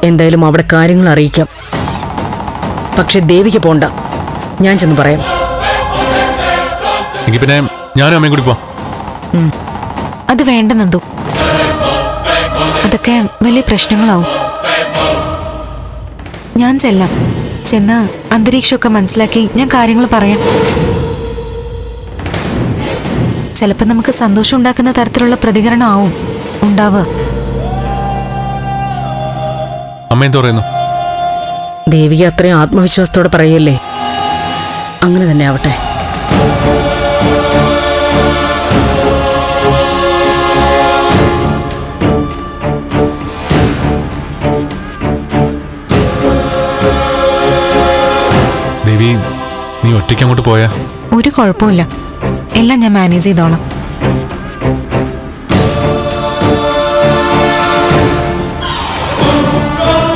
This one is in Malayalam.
എന്തായാലും അവിടെ കാര്യങ്ങൾ അറിയിക്കാം. പക്ഷെ ദേവിക്ക് പോണ്ട, ഞാൻ ചെന്ന് പറയാം. എങ്കിൽ പിന്നെ ഞാനും അമ്മയും കൂടി പോവാം. അത് വേണ്ട നന്ദു, അതൊക്കെ വലിയ പ്രശ്നങ്ങളാവും. ഞാൻ ചെന്ന് അന്തരീക്ഷമൊക്കെ മനസ്സിലാക്കി ഞാൻ കാര്യങ്ങൾ പറയാം. ചിലപ്പോൾ നമുക്ക് സന്തോഷം ഉണ്ടാക്കുന്ന തരത്തിലുള്ള പ്രതികരണം ആവും ഉണ്ടാവുക. അമ്മ എന്ത് പറയുന്നു? ദേവിക അത്രയും ആത്മവിശ്വാസത്തോടെ പറയല്ലേ, അങ്ങനെ തന്നെ ആവട്ടെ. ദേവി, നീ ഒറ്റയ്ക്ക് അങ്ങോട്ട് പോയാ? ഒരു കുഴപ്പമില്ല, എല്ലാം ഞാൻ മാനേജ് ചെയ്തോളാം.